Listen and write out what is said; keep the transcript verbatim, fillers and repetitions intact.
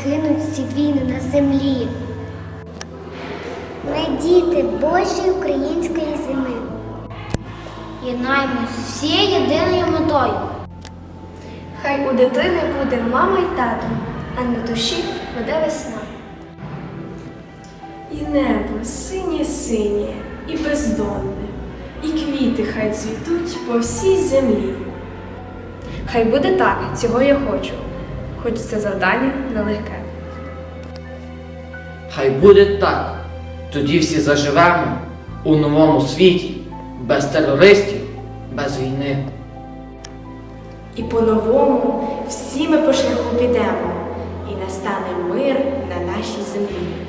скинуть всі війни на землі. Ми діти Божої української зими. Єднаємось всією єдиною метою. Хай у дитини буде мама й тато, а на душі буде весна. І небо синє-синє і бездонне, і квіти хай цвітуть по всій землі. Хай буде так, цього я хочу, хоч це завдання нелегке. Хай буде так, тоді всі заживемо у новому світі, без терористів, без війни. І по-новому всі ми по шляху підемо, і настане мир на нашій землі.